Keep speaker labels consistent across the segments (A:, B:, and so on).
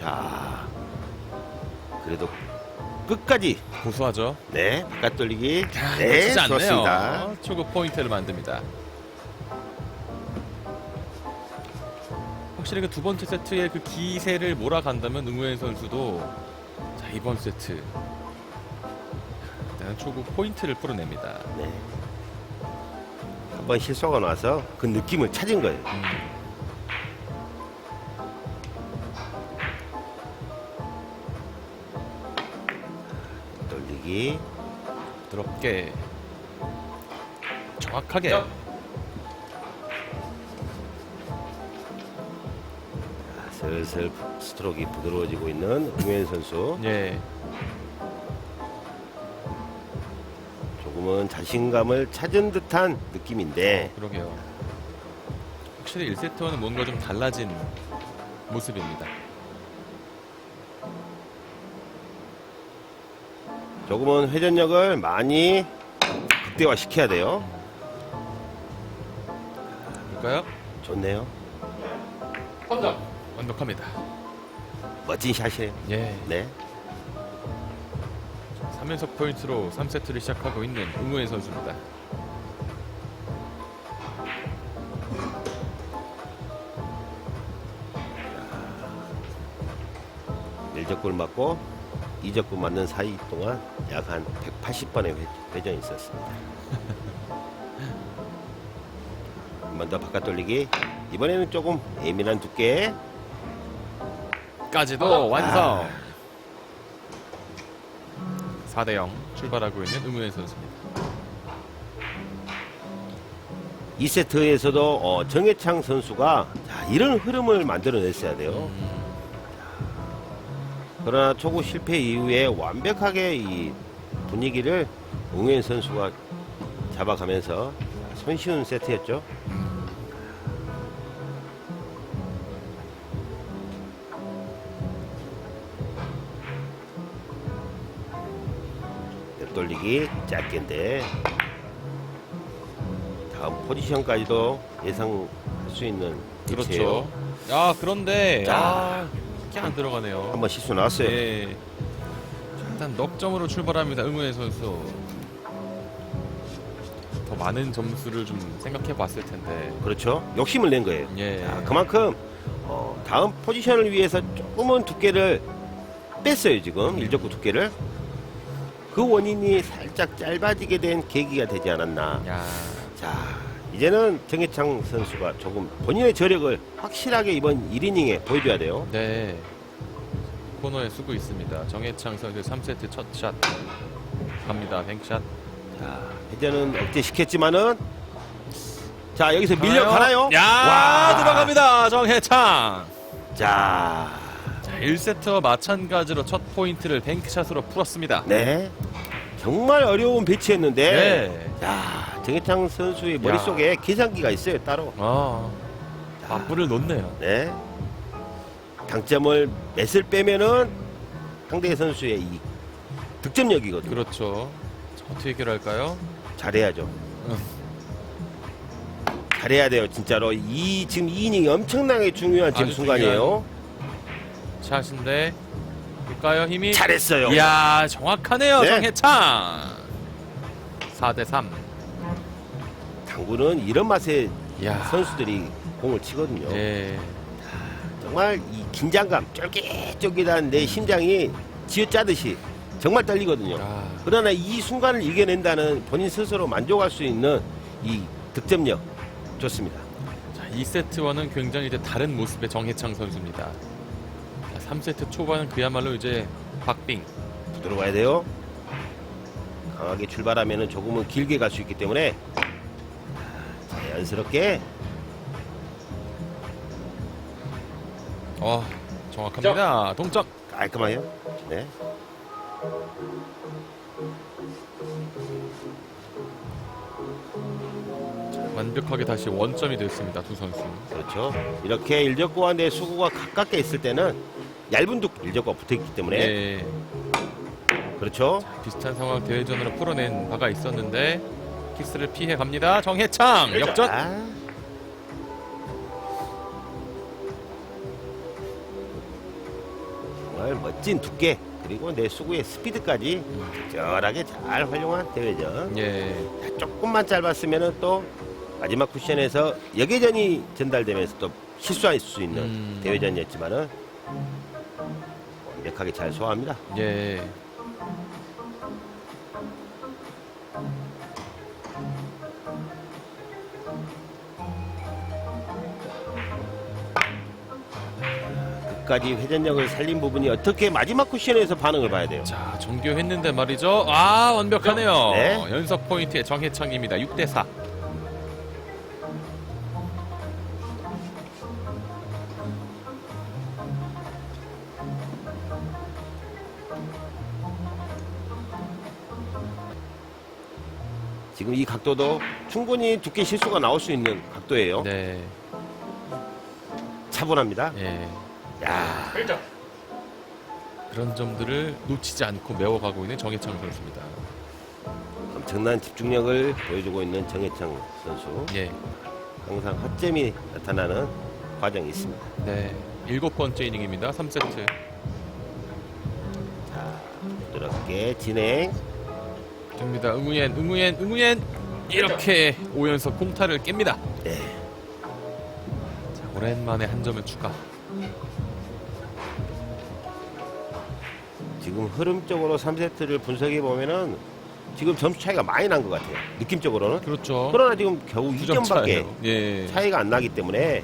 A: 자, 그래도 끝까지
B: 고수하죠.
A: 네, 바깥 돌리기. 네,
B: 놓치지 않네요.
A: 좋습니다.
B: 초구 포인트를 만듭니다. 확실히 그 두 번째 세트의 그 기세를 몰아간다면 응우현 선수도 자, 이번 세트 일단 초구 포인트를 풀어냅니다.
A: 네. 한번 실수가 나서 그 느낌을 찾은 거예요. 돌리기.
B: 부드럽게 정확하게
A: 자, 슬슬 스트로크가 부드러워지고 있는 응우현 선수.
B: 예.
A: 조금은 자신감을 찾은 듯한 느낌인데
B: 그러게요. 확실히 1세트와는 뭔가 좀 달라진 모습입니다.
A: 조금은 회전력을 많이 극대화 시켜야 돼요.
B: 볼까요?
A: 좋네요.
B: 완벽합니다.
A: 멋진 샷이에요.
B: 예.
A: 네.
B: 3연속 포인트로 3세트를 시작하고 있는 응우현 선수입니다.
A: 일적골 맞고 이적골 맞는 사이 동안 약 한 180번의 회전이 있었습니다. 한 번 더 바깥 돌리기. 이번에는 조금 예민한 두께.
B: 까지도 완성. 4대0 출발하고 있는 응우현 선수입니다.
A: 2세트에서도 정해창 선수가 자, 이런 흐름을 만들어냈어야 돼요. 그러나 초구 실패 이후에 완벽하게 이 분위기를 응우현 선수가 잡아가면서 손쉬운 세트였죠. 옆돌리기 짧게인데 다음 포지션까지도 예상할 수 있는 위치예요.
B: 그렇죠. 아 그런데
A: 자.
B: 이게 안 들어가네요.
A: 한번 실수 나왔어요.
B: 예. 자, 일단 넉점으로 출발합니다. 응우현 선수. 더 많은 점수를 좀 생각해 봤을 텐데.
A: 그렇죠. 욕심을 낸 거예요.
B: 예.
A: 자, 그만큼 다음 포지션을 위해서 조금은 두께를 뺐어요. 지금 일적구 두께를. 그 원인이 살짝 짧아지게 된 계기가 되지 않았나.
B: 야.
A: 자, 이제는 정해창 선수가 조금 본인의 저력을 확실하게 이번 1이닝에 보여줘야 돼요.
B: 네. 코너에 쓰고 있습니다. 정해창 선수 3세트 첫 샷. 갑니다. 뱅크샷.
A: 자, 회전은 억제시켰지만은 자, 여기서 밀려가나요?
B: 야,
A: 와.
B: 들어갑니다. 정해창.
A: 자,
B: 자, 1세트와 마찬가지로 첫 포인트를 뱅크샷으로 풀었습니다.
A: 네. 정말 어려운 배치였는데
B: 네.
A: 야, 정해창 선수의 머릿속에 계산기가 있어요, 따로.
B: 맞불을 놓네요.
A: 네. 당점을 맷을 빼면은 상대 선수의 이 득점력이거든요.
B: 그렇죠. 자, 어떻게 해결할까요?
A: 잘해야죠. 잘해야 돼요, 진짜로. 지금 이 이닝이 엄청나게 중요한 지금
B: 아주
A: 순간이에요.
B: 샷인데 볼까요? 힘이
A: 잘했어요.
B: 이야 정확하네요.
A: 네.
B: 정해창 4대3.
A: 당구는 이런 맛에
B: 이야.
A: 선수들이 공을 치거든요.
B: 예.
A: 정말 이 긴장감, 쫄깃쫄깃한 내 심장이 쥐어짜듯이 정말 떨리거든요.
B: 아,
A: 그러나 이 순간을 이겨낸다는 본인 스스로 만족할 수 있는 이 득점력 좋습니다.
B: 자, 2세트와는 굉장히 이제 다른 모습의 정해창 선수입니다. 자, 3세트 초반은 그야말로 이제 박빙.
A: 부드러워야 돼요. 강하게 출발하면 조금은 길게 갈 수 있기 때문에 자연스럽게
B: 정확합니다. 동점.
A: 깔끔하게. 네.
B: 완벽하게 다시 원점이 됐습니다. 두 선수.
A: 그렇죠. 이렇게 일적구와 내 수구가 가깝게 있을 때는 얇은 일적구가 붙어있기 때문에
B: 예.
A: 그렇죠.
B: 비슷한 상황 대회전으로 풀어낸 바가 있었는데 키스를 피해 갑니다. 정해창 역전.
A: 아, 정말 멋진 두께 그리고 내 수구의 스피드까지 적절하게 잘 활용한 대회전.
B: 예.
A: 자, 조금만 짧았으면은 또 마지막 쿠션에서 역회전이 전달되면서 또 실수할 수 있는 대회전이었지만은 완벽하게 잘 소화합니다.
B: 예.
A: 끝까지 회전력을 살린 부분이 어떻게 마지막 쿠션에서 반응을 봐야 돼요.
B: 자, 정교했는데 말이죠. 아, 완벽하네요.
A: 네.
B: 연속 포인트의 정해창입니다. 6대4.
A: 지금 이 각도도 충분히 두께 실수가 나올 수 있는 각도예요.
B: 네.
A: 차분합니다.
B: 예.
A: 야,
B: 그런 점들을 놓치지 않고 메워가고 있는 정해창 선수입니다.
A: 엄청난 집중력을 보여주고 있는 정해창 선수.
B: 예.
A: 항상 허점이 나타나는 과정이 있습니다.
B: 네. 7번째 이닝입니다. 3세트.
A: 자, 부드럽게 진행.
B: 됩니다. 응우옌. 이렇게 5연속 공타를 깹니다.
A: 네.
B: 자, 오랜만에 한 점을 추가.
A: 지금 흐름적으로 3세트를 분석해 보면은 지금 점수 차이가 많이 난 것 같아요. 느낌적으로는.
B: 그렇죠.
A: 그러나 지금 겨우
B: 9점
A: 2점밖에
B: 차예요. 예.
A: 차이가 안 나기 때문에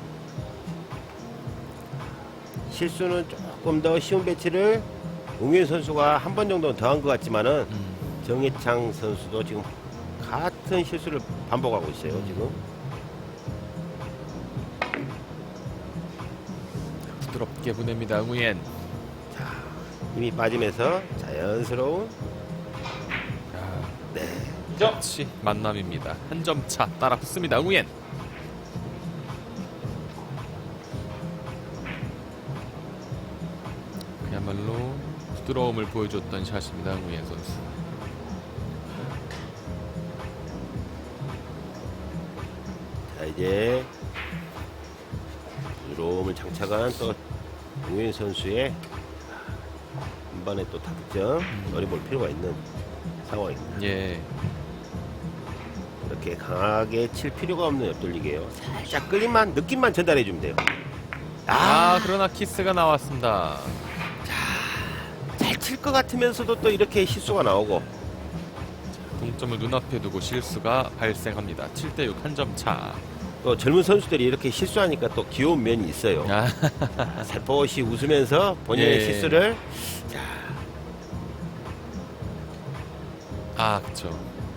A: 실수는 조금 더 쉬운 배치를 웅현 선수가 한 번 정도는 더한 것 같지만은 정해창 선수도 지금 같은 실수를 반복하고 있어요. 지금.
B: 부드럽게 보냅니다. 응우옌.
A: 힘이 빠지면서 자연스러운 네.
B: 같이 만남입니다. 한 점 차 따라 붙습니다. 응우옌. 그야말로 부드러움을 보여줬던 샷입니다. 응우옌 선수.
A: 자, 이제 부드러움을 장착한 또 웅현 선수의 한 번에 또 득점 노려볼 필요가 있는 상황입니다.
B: 예.
A: 이렇게 강하게 칠 필요가 없는 옆돌리기예요. 살짝 끌림만 느낌만 전달해 주면 돼요.
B: 아, 그러나 키스가 나왔습니다.
A: 잘 칠 것 같으면서도 또 이렇게 실수가 나오고.
B: 동점을 눈앞에 두고 실수가 발생합니다. 7대6 한 점 차.
A: 또 젊은 선수들이 이렇게 실수하니까 또 귀여운 면이 있어요.
B: 아,
A: 살포시 웃으면서 본인의
B: 예.
A: 실수를 자,
B: 아, 그쵸.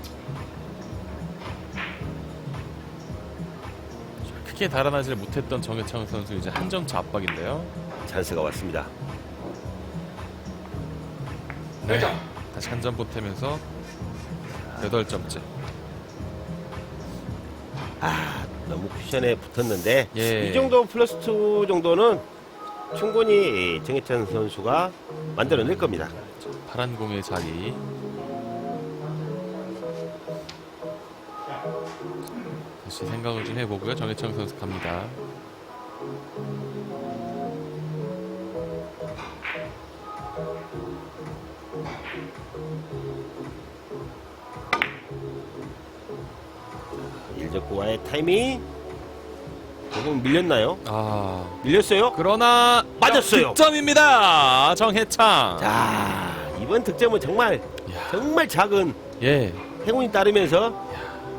B: 크게 달아나질 못했던 정해창 선수 이제 한 점 차 압박인데요.
A: 찬스가 왔습니다.
B: 네. 다시 한 점 보태면서 8점째.
A: 아, 너무 쿠션에 붙었는데
B: 예.
A: 이 정도 플러스 2 정도는 충분히 정해찬 선수가 만들어낼 겁니다.
B: 파란 공의 자리. 다시 생각을 좀 해보고요. 정해창 선수 갑니다.
A: 일적구와의 타이밍 조금 밀렸나요?
B: 아,
A: 밀렸어요?
B: 그러나
A: 맞았어요.
B: 득점입니다. 정해창.
A: 자, 이번 득점은 정말
B: 야.
A: 정말 작은
B: 예,
A: 행운이 따르면서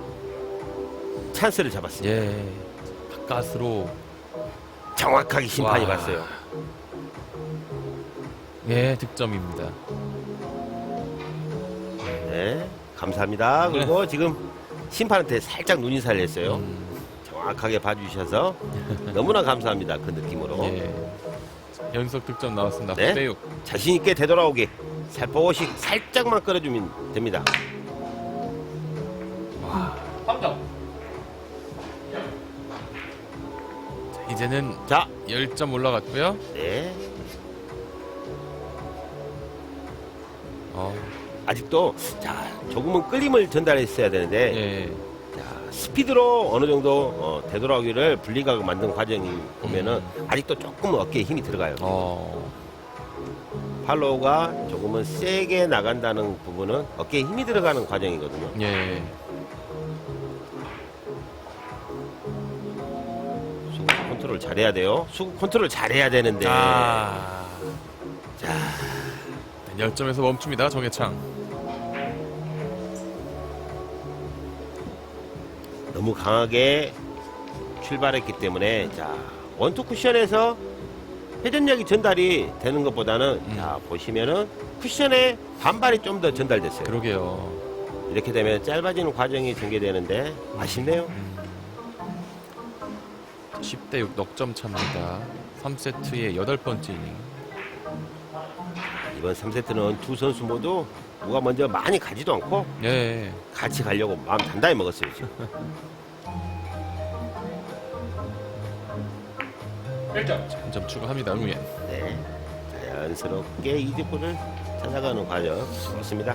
A: 찬스를 잡았습니다.
B: 예. 가까스로.
A: 정확하게 심판이
B: 와.
A: 봤어요.
B: 예, 득점입니다.
A: 네, 감사합니다. 그리고 지금 심판한테 살짝 눈인사를 했어요. 정확하게 봐주셔서 너무나 감사합니다. 그 느낌으로.
B: 예. 연속 득점 나왔습니다.
A: 네.
B: 9대6.
A: 자신 있게 되돌아오게 살포시 살짝만 끌어주면 됩니다.
B: 이제는
A: 자,
B: 10점 올라갔고요.
A: 네.
B: 어,
A: 아직도 자 조금은 끌림을 전달했어야 되는데
B: 예.
A: 자, 스피드로 어느 정도 되돌아오기를 분리각을 만든 과정이 보면은 아직도 조금 어깨에 힘이 들어가요.
B: 어,
A: 팔로우가 조금은 세게 나간다는 부분은 어깨에 힘이 들어가는 과정이거든요.
B: 예.
A: 수급 컨트롤 잘해야 돼요. 수급 컨트롤 잘해야 되는데.
B: 자,
A: 자,
B: 열점에서 멈춥니다. 정해창.
A: 너무 강하게 출발했기 때문에 자, 원투 쿠션에서 회전력이 전달이 되는 것보다는 자, 보시면은 쿠션에 반발이 좀 더 전달됐어요.
B: 그러게요.
A: 이렇게 되면 짧아지는 과정이 전개되는데 아쉽네요.
B: 10대 6 넉점 차입니다. 3세트의 8번째 이닝.
A: 이번 3세트는 두 선수 모두 누가 먼저 많이 가지도 않고
B: 예.
A: 같이 가려고 마음 단단히 먹었어요. 지금.
B: 1점 추가합니다. 응우엔.
A: 네, 자연스럽게 이득골을 찾아가는 과정 좋습니다.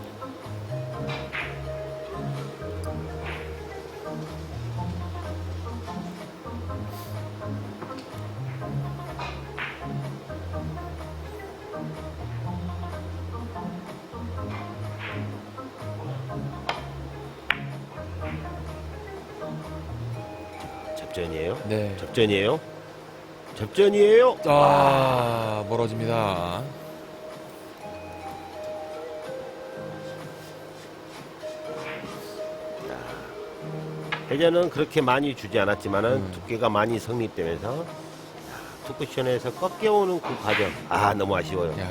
A: 접전이에요.
B: 네.
A: 접전이에요. 접전이에요.
B: 아, 멀어집니다.
A: 회전은 그렇게 많이 주지 않았지만은 두께가 많이 성립되면서 투쿠션에서 꺾여오는 그 과정 아 너무 아쉬워요.
B: 야.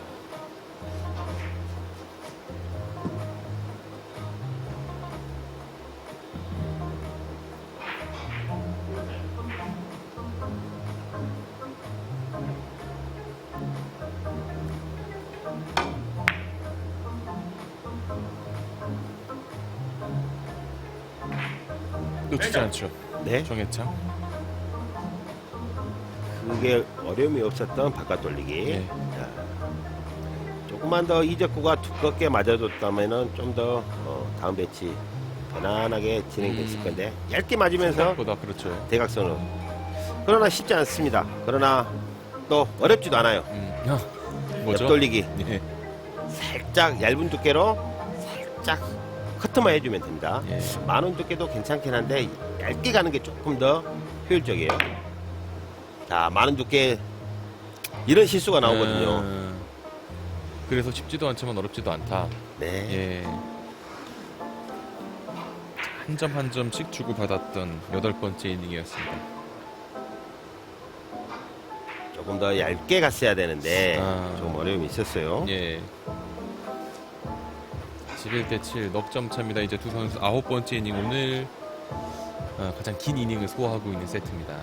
B: 놓치지 않죠.
A: 네,
B: 정해창.
A: 그게 어려움이 없었던 바깥 돌리기.
B: 네.
A: 자, 조금만 더 이적구가 두껍게 맞아줬다면은 좀 더 다음 배치 편안하게 진행됐을 건데 얇게 맞으면서
B: 생각보다 그렇죠.
A: 대각선으로. 그러나 쉽지 않습니다. 그러나 또 어렵지도 않아요.
B: 뭐죠?
A: 옆돌리기
B: 예.
A: 살짝 얇은 두께로 살짝 커트만 해주면 됩니다.
B: 예.
A: 많은 두께도 괜찮긴 한데 얇게 가는 게 조금 더 효율적이에요. 자, 많은 두께 이런 실수가 나오거든요.
B: 그래서 쉽지도 않지만 어렵지도 않다.
A: 네,
B: 예. 한 점 한 점씩 주고받았던 8번째 이닝이었습니다.
A: 조금 더 얇게 갔어야 되는데
B: 아.
A: 좀 어려움이 있었어요.
B: 예. 11대 7 넉점 차입니다. 이제 두 선수 9번째 이닝 오늘 가장 긴 이닝을 소화하고 있는 세트입니다.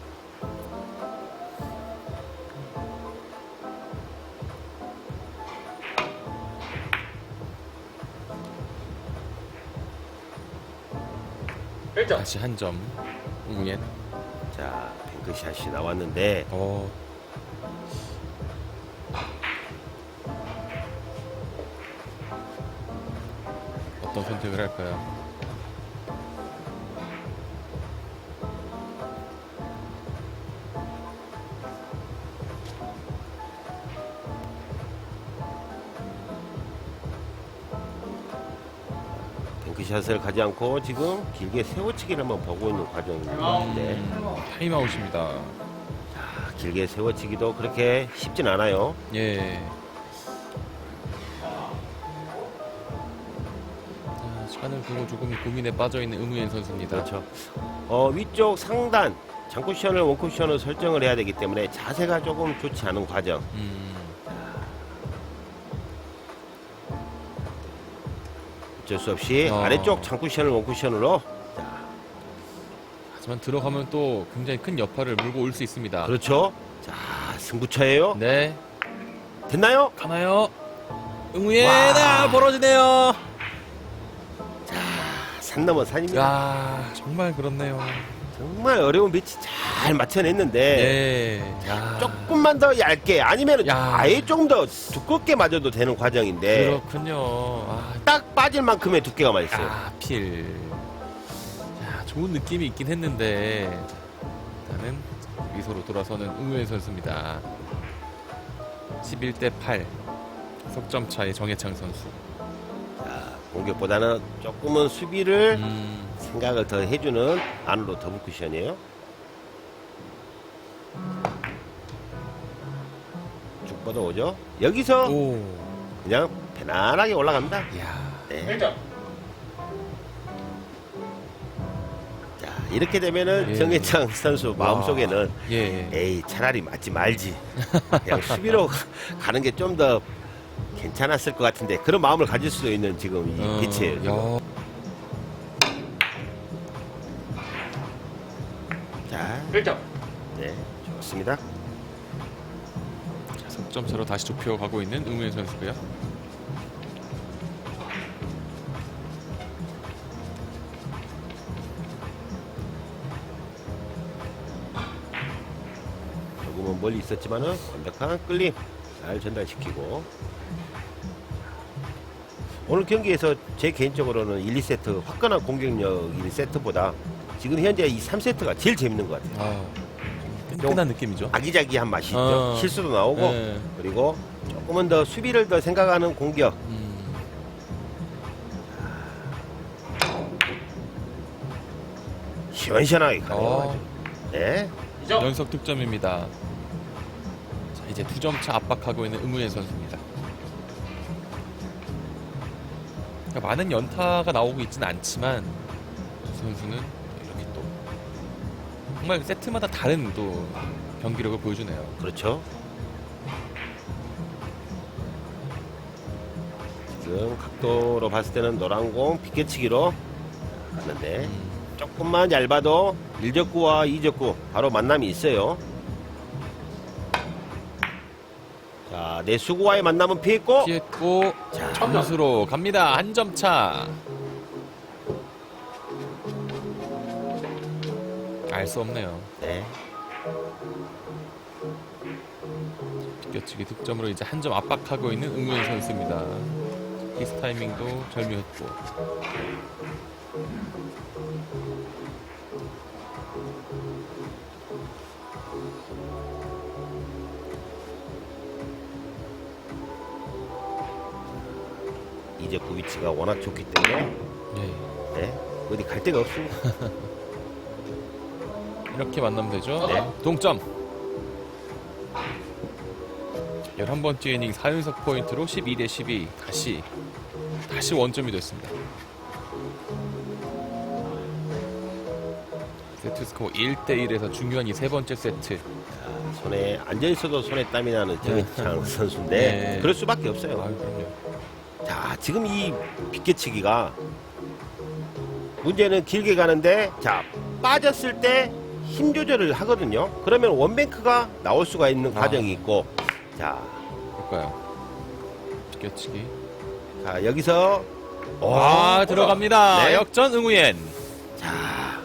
B: 다시 한 점. 응우엔.
A: 자, 뱅크샷이 나왔는데
B: 어떤 선택을 할까요?
A: 뱅크샷을 가지 않고 지금 길게 세워치기를 한번 보고 있는 과정인데
B: 타임아웃입니다.
A: 자, 길게 세워치기도 그렇게 쉽진 않아요.
B: 예. 자, 시간을 두고 조금 고민에 빠져있는 응우엔 선수입니다.
A: 그렇죠. 위쪽 상단 장쿠션을 원쿠션으로 설정을 해야 되기 때문에 자세가 조금 좋지 않은 과정. 어쩔 수 없이 아래쪽 장쿠션을 원쿠션으로. 자,
B: 하지만 들어가면 또 굉장히 큰 여파를 물고 올 수 있습니다.
A: 그렇죠. 자, 승부처예요.
B: 네.
A: 됐나요?
B: 가나요? 응우엔
A: 와.
B: 벌어지네요.
A: 산 넘어 산입니다.
B: 야, 정말 그렇네요.
A: 정말 어려운 배치 잘 맞춰냈는데
B: 네. 야.
A: 조금만 더 얇게 아니면
B: 야.
A: 아예 조금 더 두껍게 맞아도 되는 과정인데
B: 그렇군요. 아,
A: 딱 빠질 만큼의 두께가 맞았어요.
B: 필. 야, 좋은 느낌이 있긴 했는데 일단은 미소로 돌아서는 응우엔 선수입니다. 11대 8. 석점 차의 정해창 선수.
A: 자, 공격보다는 조금은 수비를
B: 음,
A: 생각을 더 해주는 안으로 더블 쿠션이에요. 쭉 뻗어오죠. 여기서
B: 오.
A: 그냥 편안하게 올라갑니다.
B: 이야.
A: 네. 자, 이렇게 되면은
B: 예.
A: 정해창 선수 마음속에는
B: 예.
A: 에이 차라리 맞지 말지 그냥 수비로 가는 게 좀 더 괜찮았을 것 같은데 그런 마음을 가질 수도 있는 지금 이 빛이에요. 자,
C: 1점.
A: 네, 좋습니다.
B: 자, 석점 차로 다시 좁혀가고 있는 응우현 선수고요.
A: 조금은 멀리 있었지만은 완벽한 끌림 잘 전달시키고 오늘 경기에서 제 개인적으로는 1, 2세트 화끈한 공격력인 세트보다 지금 현재 이 3세트가 제일 재밌는 것 같아요.
B: 아, 끈끈한 느낌이죠.
A: 아기자기한 맛이 있죠. 실수도 나오고
B: 네.
A: 그리고 조금은 더 수비를 더 생각하는 공격. 시원시원하게 가네요. 네.
C: 2점.
B: 연속 득점입니다. 자, 이제 2점 차 압박하고 있는 응우현 선수입니다. 그러니까 많은 연타가 나오고 있지는 않지만 두 선수는 이렇게 또 정말 세트마다 다른 또 경기력을 보여주네요.
A: 그렇죠. 지금 각도로 봤을 때는 노란 공 비껴치기로 갔는데 조금만 얇아도 1적구와 2적구 바로 만남이 있어요. 자, 내 수구와의 만남은 피했고
B: 피했고
A: 자,
B: 점수로 갑니다. 한 점 차. 알 수 없네요.
A: 네.
B: 비껴치기 득점으로 이제 한 점 압박하고 있는 응우현 선수입니다. 키스 타이밍도 절묘했고.
A: 이제 그 위치가 워낙 좋기 때문에
B: 네.
A: 네, 어디 갈 데가 없습니다.
B: 이렇게 만나면 되죠.
A: 네.
B: 동점. 11번째 이닝 4연속 포인트로 12대 12 다시 원점이 됐습니다. 세트 스코어 1대 1에서 중요한 이 세 번째 세트.
A: 자, 손에 앉아 있어도 손에 땀이 나는 정해창 선수인데
B: 네.
A: 그럴 수밖에 없어요.
B: 아유, 그럼요.
A: 자, 지금 이 비껴치기가 문제는 길게 가는데 자, 빠졌을 때 힘 조절을 하거든요. 그러면 원뱅크가 나올 수가 있는 과정이 있고 자,
B: 볼까요? 비껴치기.
A: 자 여기서
B: 들어갑니다.
A: 네.
B: 역전 응우옌.
A: 자,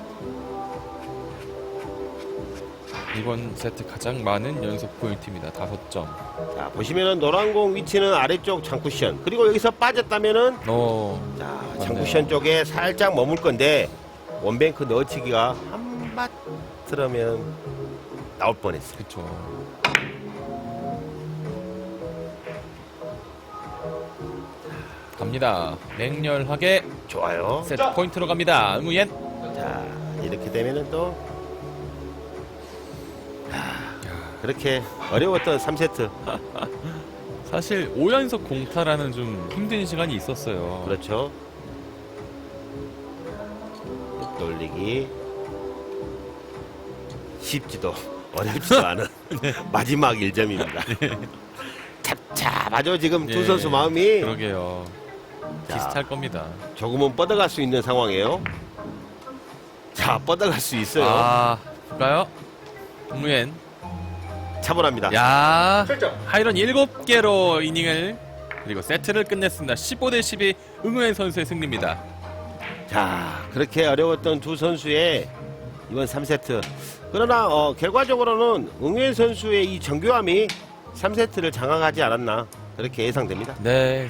B: 이번 세트 가장 많은 연속 포인트입니다. 5점.
A: 자 보시면은 노란 공 위치는 아래쪽 장쿠션 그리고 여기서 빠졌다면은 자
B: 맞네요.
A: 장쿠션 쪽에 살짝 머물 건데 원뱅크 넣어치기가 한밭 들으면 나올 뻔했어요.
B: 그쵸. 갑니다. 맹렬하게
A: 좋아요.
B: 세트 포인트로 갑니다. 응우옌.
A: 자 이렇게 되면은 또 그렇게 어려웠던 3세트
B: 사실 5연속 공타라는 좀 힘든 시간이 있었어요.
A: 그렇죠. 돌리기 쉽지도 어렵지도 않은 마지막 1점입니다. 잡잡하죠 지금 두
B: 예,
A: 선수 마음이.
B: 그러게요.
A: 자,
B: 비슷할 겁니다.
A: 조금은 뻗어갈 수 있는 상황이에요. 자 뻗어갈 수 있어요.
B: 볼까요? 응우옌.
A: 차분합니다.
B: 야,
C: 7점.
B: 하이런 7개로 이닝을 그리고 세트를 끝냈습니다. 15대 12 응우옌 선수의 승리입니다.
A: 자 그렇게 어려웠던 두 선수의 이번 3세트 그러나 결과적으로는 응우현 선수의 이 정교함이 3세트를 장악하지 않았나 그렇게 예상됩니다.
B: 네,